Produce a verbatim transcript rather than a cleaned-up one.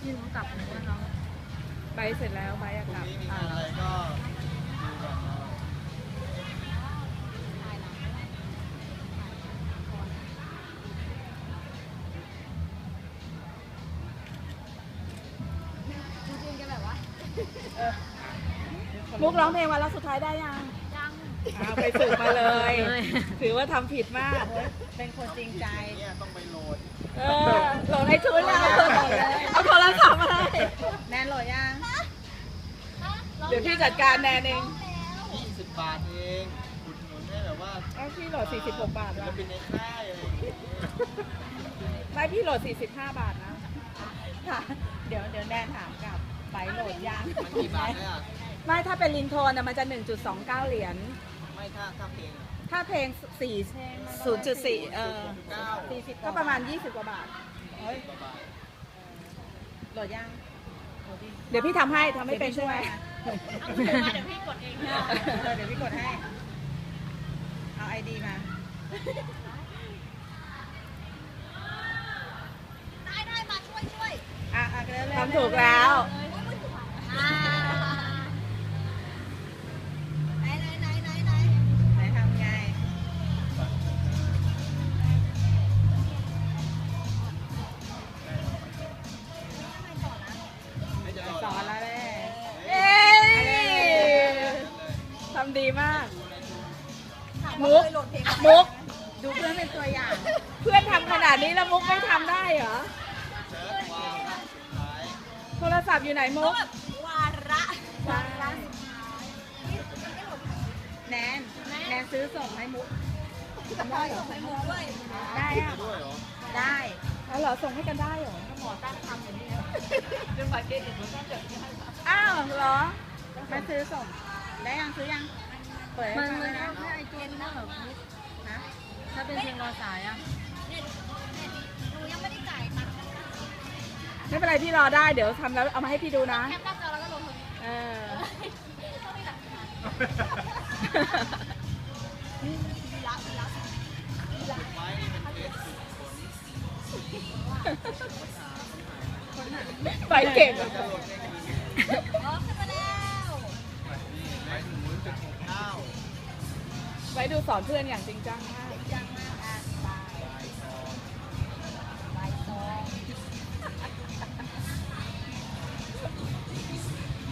พี่รู้กลับหรือว่าน้องไปเสร็จแล้วไปอะกลับมีอะไรก็ดูก่อนนะมุกร้องเพลงวันละสุดท้ายได้ยังยังไปฝึกมาเลย ถือว่าทำผิดมากเป็นคนจริงใจเนี่ยต้องไปโหลดเออโหลดให้ชุดแล้วเอาโทรศัพท์มาให้แนนโหลดยังเดี๋ยวพี่จัดการแนนเองยี่สิบบาทเองอุดหนุนให้แบบว่าเอาพี่โหลดสี่สิบหกบาทศิลละปินในค่ายอะไรอย่างเงี้ยไม่พี่โหลดสี่สิบห้าบาทนะค่ะ เดี๋ยวเดี๋ยวแนนถามกลับไปโหลดยังมันกี่บาทเนี่ยไม่ถ้าเป็นลิงโทนนะมันจะ หนึ่งจุดสองเก้า เหรียญไม่ถ้าถ้าเพลงอะถ้าเพลงสี่ ศูนย์จุดสี่เออเก้าสี่สิบก็ประมาณยี่สิบกว่าบาทเฮ้ยกว่าบาทโหลดยังโหลดดิเดี๋ยวพี่ทำให้ทำให้เป็นใช่ไหมเอาเดี๋ยวพี่กดเองเออเดี๋ยวพี่กดให้ เอาไอดีมาได้ได้มาช่วยช่วยอ่ะอ่ะเร็วๆทำถูกแล้วอ่าไหนไหนไหนไหนไหนไหนทำไงไม่จะโหลดสอนแล้วแหละเย้ทำดีมาก มุกโหลดเพลงอะไรมุกดูเพื่อนเป็นตัวอย่างเพื่อนทำขนาดนี้แล้วมุกไม่ทำได้เหรอเชิญวางนะสุดท้ายโทรศัพท์อยู่ไหนมุกแบบวาระวาระสุดท้ายแนน แนนซื้อส่งให้มุกทำได้เหรอให้มุกด้วยได้อะด้วยเหรอได้แล้วเหรอส่งให้กันได้เหรอหมอตั้งทำอย่างนี้เรื่องบัตรเครดิตมันต้องจดที่ให้อ้าวเหรอมาซื้อส่ง ได้ยังซื้อยัง เปิดให้มันฟังมัเลนยนะเอาแค่ไอจูนนะแบบนะถ้าเป็นเพลงรอสายอะเนี่ยเนี่ยหนูยังไม่ได้จ่ายตังค์นะคะไม่เป็นไรพี่รอได้เดี๋ยวทำแล้วเอามาให้พี่ดูนะแคปหน้าจอแล้วก็ลงตรงนี้เออต้องมีหลักฐานมีรักมีรักไม้นี่เป็นเคสสุดผลไปเก่งจะโหลดเพลงอื่นอ๋อขึ้นมาแล้วนี่ไม้หนูจุดหกเก้าไว้ดูสอนเพื่อนอย่างจริงจังมาก